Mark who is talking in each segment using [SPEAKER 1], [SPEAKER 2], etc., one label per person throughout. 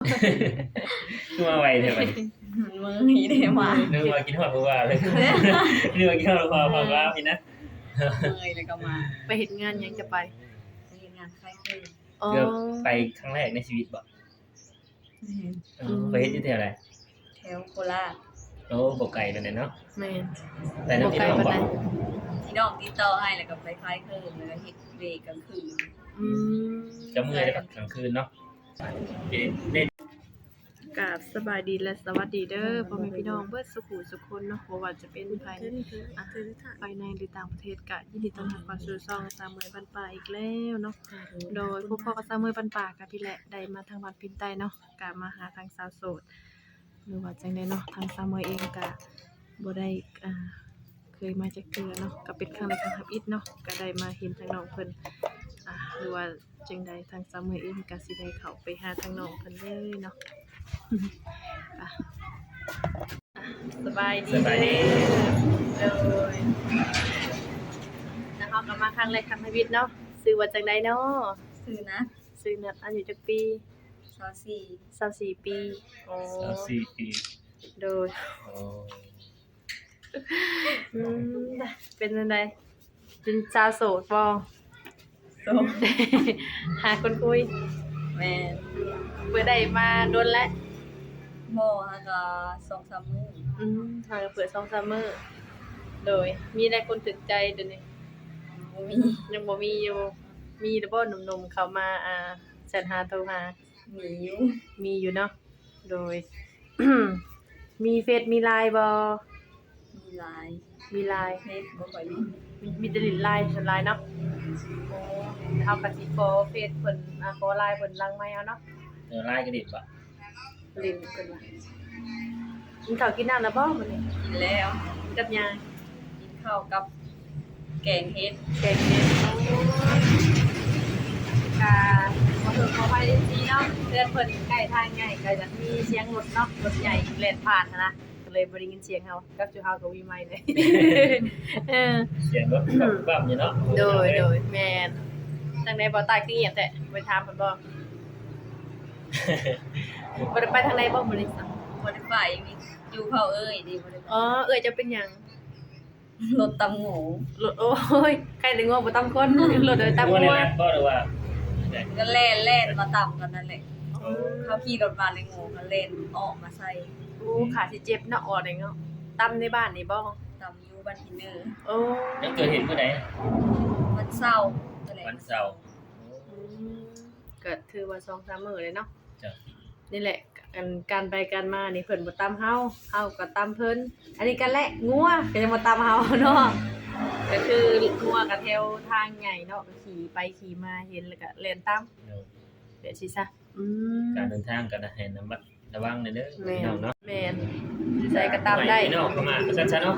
[SPEAKER 1] คือมาไวแท้บัดนี้
[SPEAKER 2] มือหีได้มา
[SPEAKER 1] นึกว่ากินฮอดผู้ว่าเลยนึกว่ากินฮอดผู้ว่าพี่นะ
[SPEAKER 2] มือแล้วก็มา
[SPEAKER 3] ไปเฮ็ดงานหยังจะไป
[SPEAKER 2] ไปเฮ็ดงานคล้ายคลึง
[SPEAKER 3] อ๋อ
[SPEAKER 1] เกือบไปครั้งแรกในชีวิตบ่ไปเฮ็ดอยู่แถวใด
[SPEAKER 2] แถวโคราช
[SPEAKER 1] โอ้บ่ไกลปานใดเนาะ
[SPEAKER 3] แม่น
[SPEAKER 1] แต่น้ำพี่น้องบ่
[SPEAKER 2] ที่น้องติดต่อให้แล้วก็ไปคล้ายคลึงแล้วก็เฮ็ดเวรกลางคืน
[SPEAKER 3] อืม
[SPEAKER 1] จะเมื่อยได้กลางคืนเนาะเล่น
[SPEAKER 3] กราบสบายดีและสวัสดีเด้อพ่อแม่พี่น้องเบิดสุขุสุขคนเนาะบ่ว่าจะเป็นภายในภายในหรือต่างประเทศก็ยินดีต้อนรับเข้าสู่ช่องสามมื้อบ้านป่าอีกแล้วเนาะโดยพวกพ่อกับสามมื้อบ้านป่าก็พี่แหละได้มาทางวัดพินใต้เนาะก็มาหาทางสาวโสดหรือว่าจังได๋เนาะทางสามมื้อเองก็บ่ได้เคยมาจักเทื่อเนาะก็เป็นครั้งแรกครั้งทับอิฐเนาะก็ได้มาเห็นทางน้องเพิ่นหรือว่าจังใดทางสามมื้อเองก็สิได้เข้าไปหาทางน้องเพิ่นเลยเนาะ สบายดี
[SPEAKER 1] สบายดี
[SPEAKER 3] เลยนะคะกลับมาครั้งแรกครั้งชีวิตเนาะซื้อว่าจังไดเนาะ
[SPEAKER 2] ซื้อนะ
[SPEAKER 3] ซื้อนัดอายุจักปี
[SPEAKER 2] 24
[SPEAKER 3] 24ปีโอ้
[SPEAKER 1] 4 ปี
[SPEAKER 3] โดย
[SPEAKER 1] โอ้
[SPEAKER 3] เป็นจังไดเป็นสาวโสดบ่
[SPEAKER 2] โต
[SPEAKER 3] หาคนคุย
[SPEAKER 2] แม่น
[SPEAKER 3] เปิดได้มาโดนแล้ว
[SPEAKER 2] บ่ฮะก็2-3มื้อ
[SPEAKER 3] ทางเปิด2-3มื้อโดยมีได้คนถึกใจเดี๋ยวนี้
[SPEAKER 2] บ่มี
[SPEAKER 3] ยังบ่มีอยู่มีแต่บ่หนุ่มๆเข้ามาแชทหาโทรหา
[SPEAKER 2] มีอยู่
[SPEAKER 3] มีอยู่เนาะ โดย มีเฟซมีไลน์บ่
[SPEAKER 2] มีหลาย
[SPEAKER 3] มีไลน์
[SPEAKER 2] เฮ็ดบ่ค่อยมี
[SPEAKER 3] มีแต่ลินไลน์ส่วนไลน์เนาะโอ้เฮาก็สิขอเฟซเพิ่นขอไลน์เพิ่นหลังไมค์เอาเนาะ
[SPEAKER 1] เดี๋ยวไล่กระดิบบ่
[SPEAKER 3] ลินเพิ่นว่ากินข้าวกินน้ำแล้วบ่มื้อนี้
[SPEAKER 2] กินแล้ว
[SPEAKER 3] กับหยัง
[SPEAKER 2] กินข้าวกับแกงเฮ็ด
[SPEAKER 3] แกงเฮ็ดกาขอโทษขออภัยจริงๆเนาะเพื่อนเพิ่นใกล้ทางใหญ่ก็จะมีเสียงรถเนาะรถใหญ่แล่นผ่านหั้นนะก็เลยบ่ได้ยินเสียงเฮากับจุเฮาก็มีไมค์เลย เออ
[SPEAKER 1] เสียงรถปั๊บอยู่เนาะ
[SPEAKER 3] โดยแม่นจังได๋บ่ตายคือเงียบแต่ไปถามเพิ่นบ่ บ่ได้ไปทางใดบ่มื้อนี้จ้ะ
[SPEAKER 2] บ่ได้ไปมีอยู่เผาเอ้ยดิบ่ได้ไป
[SPEAKER 3] อ๋อเอ้ยจะเป็นหยัง
[SPEAKER 2] รถตำหงู
[SPEAKER 3] รถโอ้ยใครได้งัวบ่ตำคนรถโดยตำ
[SPEAKER 1] ว่า
[SPEAKER 3] งั
[SPEAKER 1] ใน
[SPEAKER 3] ว
[SPEAKER 1] ร้านบ่หรือว่า
[SPEAKER 2] ก็เล่นมาต่ำกันนั่นแหละเขาขี่รถมาในงูก็เล่นออกมาใส่
[SPEAKER 3] โอ้ขาสิเจ็บเนาะอ่อนได้เนาะตำในบ้านนี่บ่
[SPEAKER 2] ตำยูบันทินเนอร์
[SPEAKER 3] โอ้
[SPEAKER 1] ยังเกิดเหตุเมื่อใด
[SPEAKER 2] วันเศร้าร์ก็เลย
[SPEAKER 1] วันเสาร์
[SPEAKER 3] ก็ถือว่า2-3มื้อเลยเนาะ
[SPEAKER 1] จ้ะ
[SPEAKER 3] นี่แหละการไปกันมานี่เพิ่นบ่ตำเฮาก็ตำเพิ่นอันนี้กันแหละงัวก็ยังบ่ตำเฮาเนาะก็คืองัวก็แถวทางใหญ่เนาะก็ขี่ไปขี่มาเห็นแล้วก็เล่นตามเดี๋ยวสิซะ
[SPEAKER 1] การเดินทางกันให้ระวังหน่อยเด้อ
[SPEAKER 3] แม่
[SPEAKER 1] พี่น้องเนาะ
[SPEAKER 3] แม่นใส่ก็ตามได้
[SPEAKER 1] พี่น้องเข้ามาก็ซั่นๆเนาะ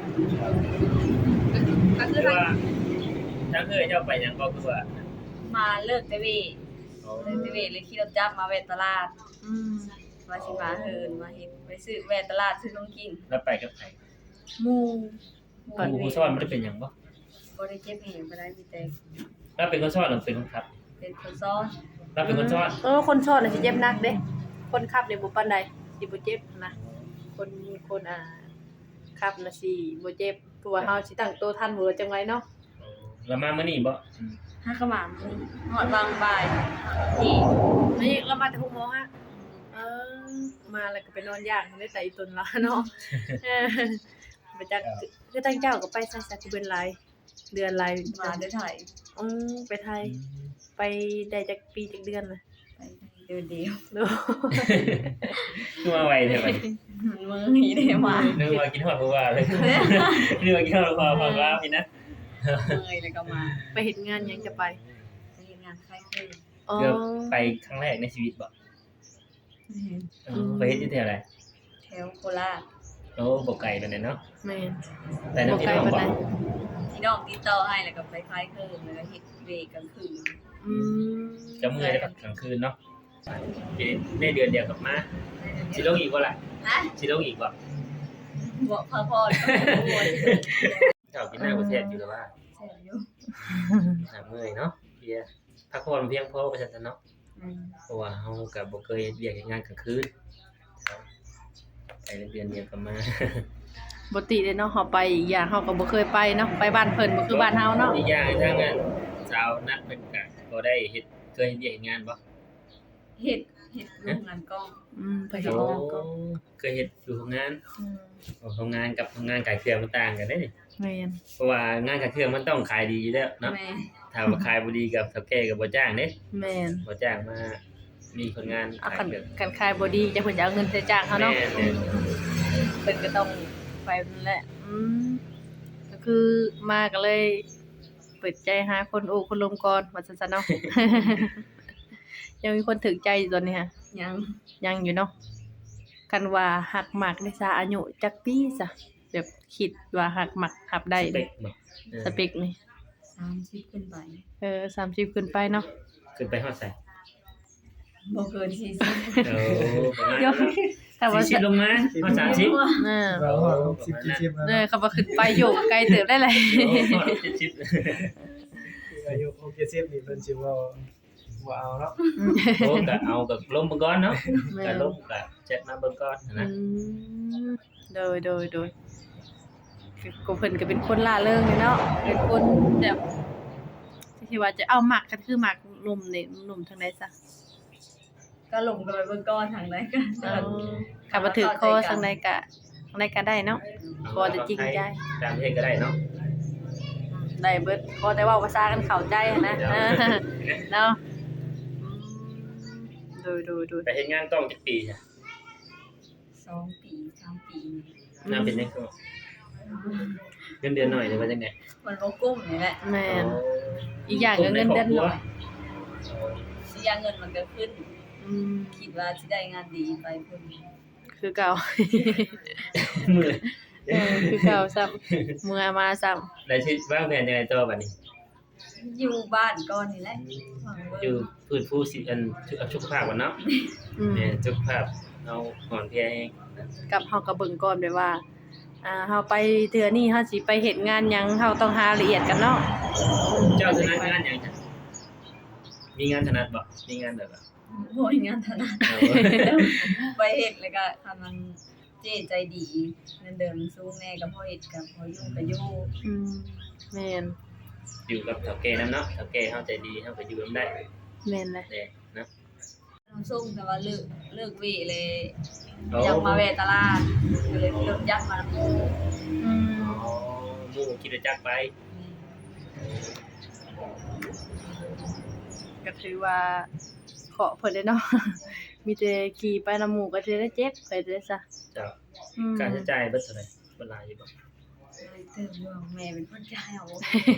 [SPEAKER 3] ก็คือ
[SPEAKER 1] คือว่าถ้าเคยเจ้าไปหยังก็คือว่า
[SPEAKER 2] มาเลิกเตเวเลิกเตเวเลยขี่รถจักรมาแวะตลาด
[SPEAKER 3] อืม
[SPEAKER 2] มาสิมาเฮินมาเฮ็ดไปซื้อแวะตลาดซื้อของกิน
[SPEAKER 1] แล้วไปกับไผ
[SPEAKER 2] หมู่
[SPEAKER 1] ผู้ซ่อนบ่ได้เป็นหยังบ่
[SPEAKER 2] บ่ได้เจ็บแหงบ่ได้มีแต่
[SPEAKER 1] แล้วเป็นคนซ่อนหรือเป็นคนขับ
[SPEAKER 2] เป็นคนซ้อน
[SPEAKER 1] แล้วเป็นคนซ่อน
[SPEAKER 3] คนชอบน่ะสิเจ็บหนักเด้คนขับนี่บ่ปานใดสิบ่เจ็บนะคนขับน่ะสิบ่เจ็บเพราะว่าเฮาสิตั้งตัวทันบ่จังไว้เนาะ
[SPEAKER 1] แล้วมามื้อนี้บ่
[SPEAKER 2] ห้ากะหม่ำนี่หอดวางบ่ายที่
[SPEAKER 3] นี่เรามาแต่6:00นฮะมาแล้วก็ไปนอนย่างได้แต่อีตนละเนาะมาจากคือตั้งเจ้าก็ไปซะคือเป็นรายเดือนราย
[SPEAKER 2] มาได้ถ่าย
[SPEAKER 3] ไปไทยไปได้จักปีจักเดือนน่ะ
[SPEAKER 2] ไปเดือนเดียว
[SPEAKER 3] เนาะ
[SPEAKER 1] คือมาไวแท้บัดนี้
[SPEAKER 2] มือหีได้มา
[SPEAKER 1] นึกว่ากินฮอดผู้ว่าเลยนึกว่ากินฮอดผู้ว่าพี่นะ
[SPEAKER 2] มือแล้วก็มา
[SPEAKER 3] ไปเฮ็ดงานหยังจะไป
[SPEAKER 2] ไปเฮ็ดงานคล้ายคลึง
[SPEAKER 3] อ๋อ
[SPEAKER 1] เกือบไปครั้งแรกในชีวิตบ่ไปเฮ็ดอยู่แถวใด
[SPEAKER 2] แถวโคราช
[SPEAKER 1] โอ้บ่ไกลปานใดเนาะ
[SPEAKER 3] แม่น
[SPEAKER 1] แต่น้ำพี่น้อง
[SPEAKER 3] บ่ไกล
[SPEAKER 1] บ่
[SPEAKER 3] ปานใด
[SPEAKER 2] ที่น้องติดต่อให้แล้วก็ไปคล้ายคลึงแล้วก็เฮ็ดเวรกลางคืน
[SPEAKER 3] อืม
[SPEAKER 1] จะเมื่อยได้กลางคืนเนาะได้เดือนเดียวกลับมาสิลงอีกบ่ล่ะ
[SPEAKER 2] ฮะ
[SPEAKER 1] สิลงอีกบ่
[SPEAKER 2] บ่พักผ่อนก็บ่สิ
[SPEAKER 1] เจ้ากินหน้าประเทศอยู่แล้วว่า
[SPEAKER 2] แซ่บอยู่
[SPEAKER 1] เมื่อยเนาะเพียพักผ่อนเพียงพอประชาชนเนาะเพราะว่าเฮาก็บ่เคยเฮ็ดเวียกเฮ็ดงานกลางคืนไปเดือนเดียวก็มา
[SPEAKER 3] บ่ติเลยเนาะเฮาไปอีกอย่างเฮาก็บ่เคยไปเนาะไปบ้านเพิ่นบ่คือบ้านเฮาเนาะ
[SPEAKER 1] อีกอย่างทางนั้นสาวนัดเพิ่นก็บ่ได้เฮ็ดเคยเฮ็ดเวียกเฮ็ดงานบ่
[SPEAKER 2] เฮ็ดโรงงานกล้อง
[SPEAKER 3] เพิ่นก็บ่ก็
[SPEAKER 1] เคยเฮ็ดอยู่โรงงานโรงงานกับโรงงานขายเครื่องมันต่างกันเด้นี่
[SPEAKER 3] แม่น
[SPEAKER 1] เพราะว่างานขายเครื่องมันต้องขายดีอยู่แล้วเนาะ
[SPEAKER 2] แม่
[SPEAKER 1] ถ้าว่าขายบ่ดีกับเฒ่าแก่ก็บ่จ้างเด้
[SPEAKER 3] แม่น
[SPEAKER 1] บ่จ้างมามีคนงาน
[SPEAKER 3] เอา
[SPEAKER 1] ขาย
[SPEAKER 3] คัน
[SPEAKER 1] เครื่อง
[SPEAKER 3] กันขายบ่ดีจะเพิ่นจะเอาเงินใส่จ้างเฮาเนาะ
[SPEAKER 1] แม่น
[SPEAKER 3] เพิ่นก็ต้องไปนั่นแหละก็คือมาก็เลยเปิดใจหาคนโอ้คนลมก่อนว่าซั่นๆเนาะ ยังมีคนถึกใจอยู่ตอนนี้ฮะ ยังอยู่เนาะกันว่าหักหมักได้ซะอายุจักปีซะแบบคิดว่าหักหมักหับได้
[SPEAKER 1] สเป
[SPEAKER 3] เด้
[SPEAKER 1] คบ่
[SPEAKER 3] สเปคนี่
[SPEAKER 2] 30ขึ้นไป
[SPEAKER 3] 30ขึ้นไปเนาะ
[SPEAKER 1] ขึ้นไปฮอดไส
[SPEAKER 2] บ่เกิน40
[SPEAKER 1] โอ้ประมาณ
[SPEAKER 3] เดี๋ยวถ้าว่า
[SPEAKER 1] 40ลงมาฮอด30
[SPEAKER 4] เรา60 70แล้ว
[SPEAKER 3] คำว่าขึ้นไปอยู่ไกลเติบได้เลย
[SPEAKER 1] โอ้ฮอด70
[SPEAKER 4] อายุ60นี่เพิ่นสิว่าบ่เอาเนาะ
[SPEAKER 1] โอ้ก็เอาก็ลงเบิ่งก่อนเนาะ
[SPEAKER 3] แม่
[SPEAKER 1] ก็ลงก็แชทมาเบิ่งก่อนนะ
[SPEAKER 3] โดยก็เพิ่นก็เป็นคนล่าเริงเลยเนาะเป็นคนแบบที่ว่าจะเอาหมักก็คือหมักหนุ่มนี่หนุ่มทางใดซะ
[SPEAKER 2] ก็ลงกันไปเบิ่งก้อนทางใดก็
[SPEAKER 3] ขับมาถือคอทางใดก็ได้เนาะ พอจะจริงใจ
[SPEAKER 1] ตามประเทศก็ได้เนาะ
[SPEAKER 3] ได้เบิดพอแต่ว่าภาษากันเข้าใจนะเนาะดู
[SPEAKER 1] ไปเฮ็ดงานต้องจักปีจ้ะ
[SPEAKER 2] 2 ปี3 ปี
[SPEAKER 1] น่าเป็นจังก็เงินเดือนหน่อยหรือว่าจังได๋
[SPEAKER 2] มันบ่กุ้มนี่แหละ
[SPEAKER 3] แม่นอีกอย่างก็เงินเดือนน้อย
[SPEAKER 2] สิยาเงินมันก็ขึ้น คิดว่าสิได้งานดีไปเพิ่น
[SPEAKER 3] คือเก่า
[SPEAKER 1] มื้อ
[SPEAKER 3] คือเก่าซ้ำเมื่อมาซ้ำ
[SPEAKER 1] ได้ชีวิตวางแผนยังไงต่อบัดนี้
[SPEAKER 2] อยู่บ้านก่อนนี่แหละหวัง
[SPEAKER 1] อ
[SPEAKER 2] ว่า
[SPEAKER 1] ยู่พื้นผู้สิอันสุขภาพก่อนเนาะแม่สุขภาพเอาก่อนเพียเอง
[SPEAKER 3] กับเฮาก็เบิ่งก่อนแบบว่าเฮาไปเทื่อนี้เฮาสิไปเฮ็ดงานหยังเฮาต้องหาละเอียดกันเนาะ
[SPEAKER 1] เจ้าถนัดงานหยังจ้ะมีงานถนัดบ่มีงานแบบว่า
[SPEAKER 2] บ่มีงานถนัด
[SPEAKER 1] เอา
[SPEAKER 2] ไปเฮ็ดแล้วก็ถ้ามันเจ๊ใจดีเงินเดือนสูงแน่ก็พอเฮ็ดก็พออยู่ก็อยู่
[SPEAKER 3] แม่น
[SPEAKER 1] อยู่กับเฒ่าแก่นำเนาะเฒ่าแก่เฮาใจดีเฮาก็อยู่นำได้
[SPEAKER 3] แม่นเลย
[SPEAKER 1] แน่เนาะ
[SPEAKER 2] น้องส่งแต่ว่าเลิกเวเลย
[SPEAKER 1] โอ้
[SPEAKER 2] อยากมาแวะตลาดก็เลยรถยักษ์มาแล้ว
[SPEAKER 1] อ๋อหมู่คิดว่าจักไป
[SPEAKER 3] ก็ถือว่าขอเพิ่นได้เนาะ มีแต่ขี่ไปนำหมู่ก็สิได้เจ็บไปเด้อซะ
[SPEAKER 1] เจ้าค่าใช้จ่ายเบิดเท่าไหร่เวลาอยู่บ่
[SPEAKER 2] เติมว่าแม่เป็นคนจ่ายเอา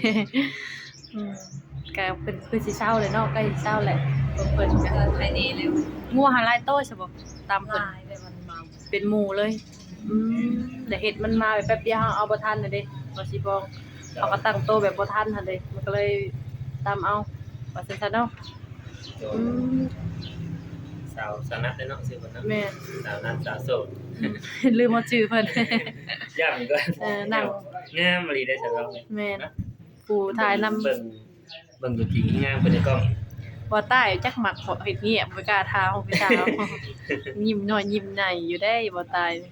[SPEAKER 3] ก็เพิ่นคือสิเช้าเลยเนาะใกล้สิเช้าแหละเพิ่น
[SPEAKER 2] ก็
[SPEAKER 3] ก็
[SPEAKER 2] ภายในแล้ว
[SPEAKER 3] งัวหาหลายโตใช่บ่ตามเพิ่น
[SPEAKER 2] ลายไปมันมา
[SPEAKER 3] เป็นหมู่เลยแต่เห็ดมันมาแบบแป๊บเดียวเอาบ่ทันน่ะเด้บ่สิบอกเขาก็ตั้งโตแบบบ่ทันหั่นเด้มันก็เลยตามเอาว่าซั่นๆเนาะ
[SPEAKER 1] โดยสาวนัดเด้อเนาะชื่อเพิ่นเนาะ
[SPEAKER 3] แม่
[SPEAKER 1] สาวนัดสาวโสด
[SPEAKER 3] ลืมเอาชื่อเพิ่น
[SPEAKER 1] ย่ำก็
[SPEAKER 3] นั่ง
[SPEAKER 1] งามอีหลีได้อสำหรับ
[SPEAKER 3] แม่นผู้ถ่ายนำ
[SPEAKER 1] เบิ่งตัวจริงงามเพิ่นในกล้อง
[SPEAKER 3] บ่ใต้จักหมักเฮ็ดเงียบบ่กล้าทาของพี่สาว ยิ้มน้อยยิ้มใหญ่อยู่ได้บ่ตาย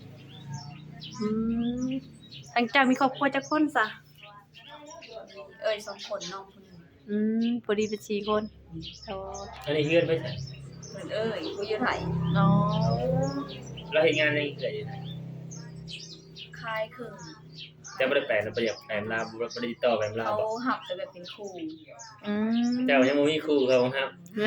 [SPEAKER 3] ทางเจ้ามีครอบครัวจักคนซะ
[SPEAKER 2] เอ้ย2คนน้องคนนึง
[SPEAKER 3] พอดีเป็น4คนอ๋อ
[SPEAKER 1] อันนี้เฮือนไปใส่
[SPEAKER 2] เพิ่นเอ้ยกูอยู่ไทย
[SPEAKER 3] อ๋อ
[SPEAKER 1] เราเฮ็ดงานในเกิดอยู่ไหน
[SPEAKER 2] คายครึ่ง
[SPEAKER 1] แต่บ่ได้แปลนะบ่อยากแปลลาวบ่ได้ติดต่อแปลลาว
[SPEAKER 2] เขา
[SPEAKER 1] บ่
[SPEAKER 2] หับแต่แบบเป็นครู
[SPEAKER 1] เจ้ายังบ่มีครูเขาครับ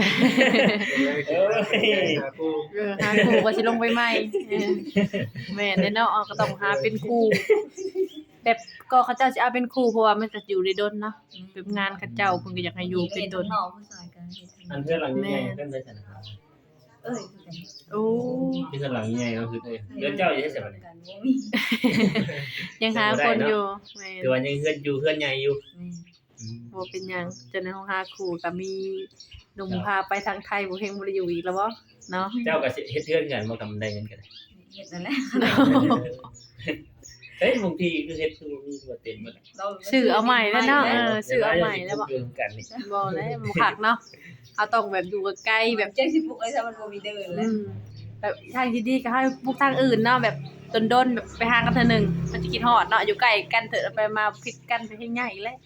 [SPEAKER 4] หาคู่
[SPEAKER 3] หาครูก็สิลงไปใหม่แม่นแน่เนาะก็ต้องหาเป็นครูแบบก็เขาเจ้าสิเอาเป็นครูเพราะว่ามันจะอยู่ได้ดนเนาะเป็นงานเขาเจ้าเพิ่นก็อยากให้อยู่เป็นดน
[SPEAKER 2] น้องผู้ชายกันเฮ็ด
[SPEAKER 1] อันเพื่อนหลังใหญ่ๆเพิ่นไปใส่นะครับ
[SPEAKER 2] เอ้ยคือกัน
[SPEAKER 3] โอ้
[SPEAKER 1] ที่เพื่อนหลังใหญ่ก็คือเฮือนเจ้าอยู่ที่ไสบัดนี้
[SPEAKER 2] กันบ่มี
[SPEAKER 3] ยังหาคนอยู่แม่
[SPEAKER 1] คือว่ายังเฮือนอยู่เฮือนใหญ่อยู่
[SPEAKER 3] บ่เป็นหยังจนในห้องหาครูก็มีหนุ่มพาไปทางไทยบ่เฮงบ่ได้อยู่อีกแล้วบ่เนาะ
[SPEAKER 1] เจ้าก็สิเฮ็ดเฮือนกันบ่กำได้เงินกัน
[SPEAKER 2] เฮ็ดนั่นแหละ
[SPEAKER 1] เเฮ้ยบางทีคือเฮ็ดคือมีตัวเต็มหมด
[SPEAKER 2] เรา
[SPEAKER 3] ซื้อเอาใหม่แล้วเนาะซื้อเอาใหม่แล้วบ่
[SPEAKER 1] เรื่องกันนี่
[SPEAKER 3] บ่แล้วบ่คักเนาะเอาต้องแบบอยู่ใกล้ๆแบบ
[SPEAKER 2] เจ้าสิบุกไอ้ถ้ามันบ่มีเดินแล้ว
[SPEAKER 3] แบบทางที่ดีก็ให้พวกทางอื่นเนาะแบบดนๆแบบไปหากันเทื่อนึงมันจะคิดฮอดเนาะอยู่ใกล้กันเถอะไปมาผิดกันไปให้ง่ายแล้ว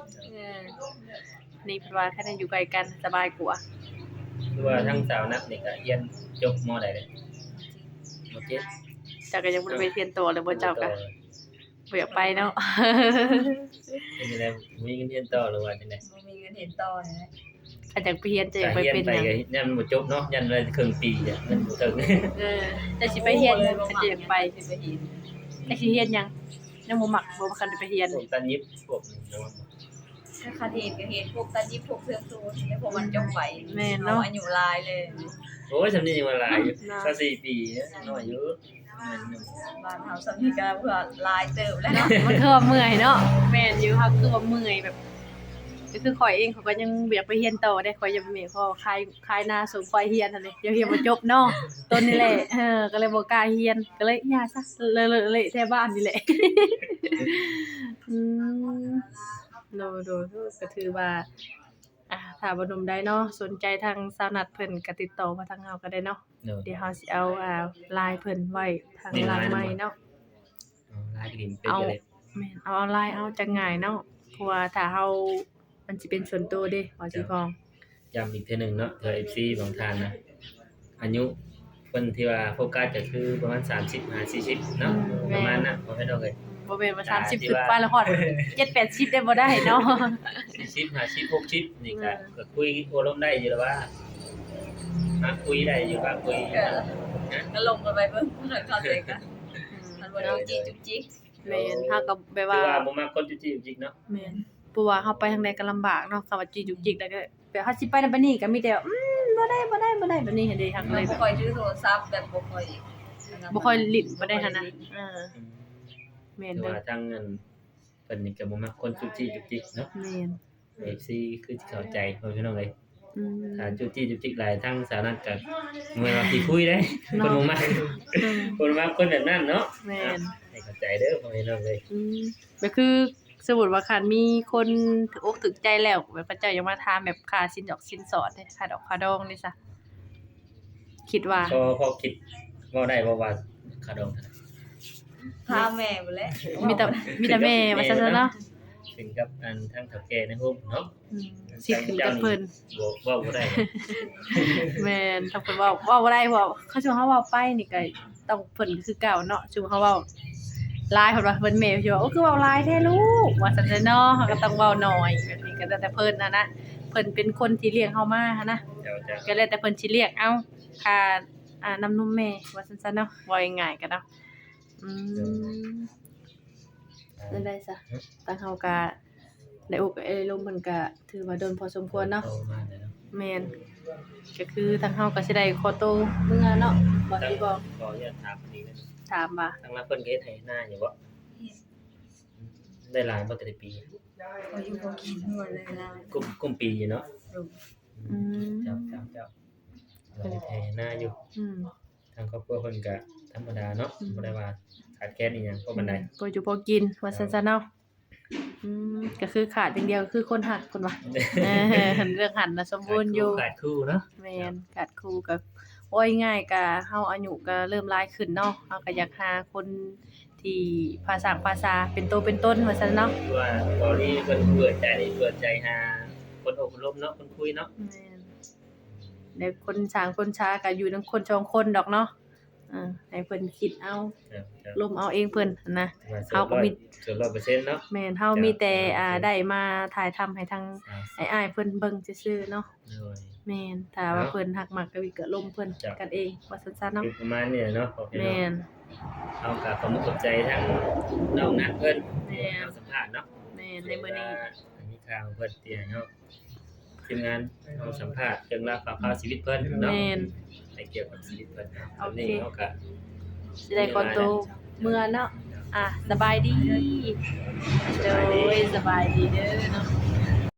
[SPEAKER 3] นี่เพราะว่าแค่นั้นอยู่ไกลกันสบายกว่า
[SPEAKER 1] คือว่าทั้งสาวนักนี่ก็เรียนจบม.ใดเลยม.7
[SPEAKER 3] เจ้าก็ยังบ่ได้ไปเรียนต่อเลยบ่เจ้าก็บ่อยากไปเนาะ
[SPEAKER 1] เป็นจังได๋มีเงินเรียนต่อหรือว่าจังได๋
[SPEAKER 2] บ่มีเงินเห็นต่อนะ
[SPEAKER 3] อาจจะไปเรียนจะอยากไป
[SPEAKER 1] เรียน
[SPEAKER 3] เป็น
[SPEAKER 1] ไป
[SPEAKER 3] หยัง
[SPEAKER 1] ก็ยันบ่จบเนาะยันเลยครึ่งปีอ่ะเงินบ่ถึง
[SPEAKER 3] แต่สิไปเรียนก็จะอยากไป
[SPEAKER 2] สิไปเห็น
[SPEAKER 3] แต่สิเรียนหยังยังบ่มักบ่คันได้ไปเรียน
[SPEAKER 1] พวกตันยิบพวกนี้เนาะ
[SPEAKER 2] ถ้าคาเห็นก็เห็นพวกตาจิบพวกเสื้อสูทแล้วพวกมันจงไป
[SPEAKER 3] แม่น
[SPEAKER 2] เนาะ
[SPEAKER 3] เนาะ
[SPEAKER 2] อายุหลายเลย
[SPEAKER 1] โอ้ยสำนี้ยังว่าหลายอยู่ก็4ปีน้อยอยู่
[SPEAKER 2] บ้านเฮาสำนี้ก็เพื่อหลายเติบแล้วเนาะ
[SPEAKER 3] มันคือว่าเมื่อยเนาะแม่นอยู่ค่ะคือว่าเมื่อยแบบก็คือข่อยเองเขาก็ยังอยากไปเรียนต่อได้ข่อยยังบ่มีข้อคลายหน้าสมข่อยเรียนนั่นแหละเดี๋ยวเรียนบ่จบเนาะต้นนี่แหละก็เลยบ่กล้าเรียนก็เลยย่าซะเลยแถวบ้านนี่แหละ โดก็ถือว่าถ้าบ่หนุ่มได้เนาะสนใจทางสาวนัดเพิ่นก็ติดต่อมาทางเฮาก็ได้เนาะเดี๋ยวเฮาสิเอาไลน์เพิ่นไว้ทางหลังไม้เนาะ
[SPEAKER 1] ลายดินเป็นจังได๋
[SPEAKER 3] แม่นเอาไลน์เอาจังง่ายเนาะเพราะว่าถ้าเฮามันสิเป็นส่วนตัวเด้ว่าสิพ้อง
[SPEAKER 1] ย้ำอีกเทื่อหนึงเนาะเทื่อ FC บางท่านนะอายุเพิ่นที่ว่าโฟกัสก็คือประมาณ30-40เนาะประมาณนั้นบ่แม่นดอกเอ้ย
[SPEAKER 3] บ่แม่นว่า30ขึ้นไปแล้วฮอด7-80ได้บ่ได้เนาะ
[SPEAKER 1] 40 50 60นี่ก็คุยโอารมณ์ได้อยู่แล้วว่าคุยได้อยู่ว่าคุย
[SPEAKER 2] ก็ลงกันไปเบิ่งเข้าใจกันมันบ่ได้จีจุกจิก
[SPEAKER 3] แม่นเฮาก็แบบ
[SPEAKER 1] คือ
[SPEAKER 3] ว่า
[SPEAKER 1] ว่าบ่มักคนจุจิกๆเนาะ
[SPEAKER 3] แม่นเพราะว่าเฮาไปทางใดก็ลำบากเนาะคำว่าจีจุกจิกแล้วก็แบบเฮาสิไปนั่นไปนี่ก็มีแต่บ่ได้แบบนี้เห็นเด้ทาง
[SPEAKER 2] มัน
[SPEAKER 3] เลย
[SPEAKER 2] บ่ค่อยถือโทรศัพท์แบบบ่ค่อย
[SPEAKER 3] บ่ค่อยลิ้นบ่ได้หั่นนะแม่น
[SPEAKER 1] คือ
[SPEAKER 3] เด้อ
[SPEAKER 1] ว่าทางเงินเพิ่นนี่ก็บ่มักคนจุจิกๆเนาะ
[SPEAKER 3] แม่น
[SPEAKER 1] FC คือสิเข้าใจเพิ่นพี่น้องเอ้ย
[SPEAKER 3] อืม
[SPEAKER 1] ถ้าจุจิกหลายทางสาวนั้นก็บ่ว่าสิคุยได้เพิ่นบ่มักเพิ่นมักคนแบบนั้นเนาะ
[SPEAKER 3] แม่น
[SPEAKER 1] ให้เข้าใจเด้อพ่อพี่น้องเอ้ย
[SPEAKER 3] ก็คือสมมุติว่าคันมีคนถูกอกถูกใจแล้วแบบเขาเจ้ายังมาถามแบบค่าสินดอกสินสอดเด้ค่าดอกค่าดองนี่ซะคิดว่า
[SPEAKER 1] พอคิดเว้าได้บ่ว่าค่าดองเท่าไหร่
[SPEAKER 2] พาแม่บ่แล้ว
[SPEAKER 3] มีแต่แม่ว่าซั่นเนาะ
[SPEAKER 1] ถึงกับอันทางเฒ่าแก่ในโฮมเนาะ
[SPEAKER 3] สิขึ้นกับเพิ่น
[SPEAKER 1] บ่ได้
[SPEAKER 3] แม่นถ้าเพิ่นเว้าบ่ได้เพราะเขาสิเฮาเว้าไปนี่ก็ต้องเพิ่นคือเก่าเนาะสิเฮาเว้าหลายเพิ่นว่าเพิ่นแม่สิว่าโอ้คือเว้าหลายแท้ลูกว่าซั่นเนาะเฮาก็ต้องเว้าน้อยแบบนี้ก็แล้วแต่เพิ่นนะเพิ่นเป็นคนที่เลี้ยงเฮามาหันนะ
[SPEAKER 1] เจ้า
[SPEAKER 3] ก็แล้วแต่เพิ่นสิเรียกเอาค่าน้ำนมแม่ว่าซั่นๆเนาะว่าง่ายๆก็เนาะได้ซะทางเฮาก็ได้อกได้ลมเพิ่นก็ถือว่าโดนพอสมควรเนาะ
[SPEAKER 1] โตมาแล้วเนาะ
[SPEAKER 3] แม่นก็คือทางเฮาก็สิได้ขอโตวเมื่อเนาะบ่สิบอก
[SPEAKER 1] ขออนุญาตถามอีกนิดนึง
[SPEAKER 3] ถามว่า
[SPEAKER 1] ทางรับเพิ่นก็เฮ็ดให้หน้าอยู่บ่ได้หลายบ่แต่ละปี
[SPEAKER 2] เขาอยู่บ่กินหมดเลยนะ
[SPEAKER 1] กุมปีอยู่เนาะ
[SPEAKER 3] อืม
[SPEAKER 1] เจ้าเราเฮ็ดให้หน้าอยู่
[SPEAKER 3] อืม
[SPEAKER 1] ทางครอบครัวเพิ่นก็ธรรมดาเนาะบ่ได้ว่าขาดแคลนอีหยังเพราะมันได้
[SPEAKER 3] บ่อยู่บ่กินว่าซั่นๆเนาะก็คือขาดอย่างเดียวคือคนหักคนว่าเรื่องหันน่ะสมบูรณ์อยู่
[SPEAKER 1] ขาดคู่เนาะ
[SPEAKER 3] แม่นขาดครูก็โอ้ยง่ายก็เฮาอายุก็เริ่มหลายขึ้นเนาะเฮาก็อยากหาคนที่ภาษาเป็นโตเป็นต้นว่าซั่นเนาะ
[SPEAKER 1] คือว่าตอนนี้เพิ่นเปิดใจหาคนอบรมเนาะคนคุยเนาะ
[SPEAKER 3] แม่นแล้วคนสร้างคนช้าก็อยู่นำคนสองคนดอกเนาะให้เพิ่นคิดเอาลมเอาเองเพิ่นนะ
[SPEAKER 1] เฮาก็มีส่วน100%เนาะ
[SPEAKER 3] แม่นเฮามีแต่ได้มาถ่ายทำให้ทางอ้ายๆเพิ่นเบิ่งซื่อๆเนาะ
[SPEAKER 1] โดย
[SPEAKER 3] แม่นถ้าว่าเพิ่นฮักมักก็วิก็ลมเพิ่นกันเองว่าซั่นๆเนาะ
[SPEAKER 1] คือประมาณนี้เนาะขอบคุณ
[SPEAKER 3] แม่น
[SPEAKER 1] เอาก็ขอบคุณขอบใจทั้งน้องนัดเพิ่น
[SPEAKER 3] แม่
[SPEAKER 1] เอาสัมภาษณ์เนาะ
[SPEAKER 3] แม่นในมื้อนี้
[SPEAKER 1] มีข่าวเพิ่นเตียเนาะทีมงานเอาสัมภาษณ์เรื่องราวข่าวชีวิตเพิ่นเนาะ
[SPEAKER 3] แม่น
[SPEAKER 1] ในเกี่ยวกับชีวิตเพิ่นเอานี้เฮาก็
[SPEAKER 3] สิได้ขอตัวเมื่อเนาะสบายดีโดยสบายดีเด้อเนาะ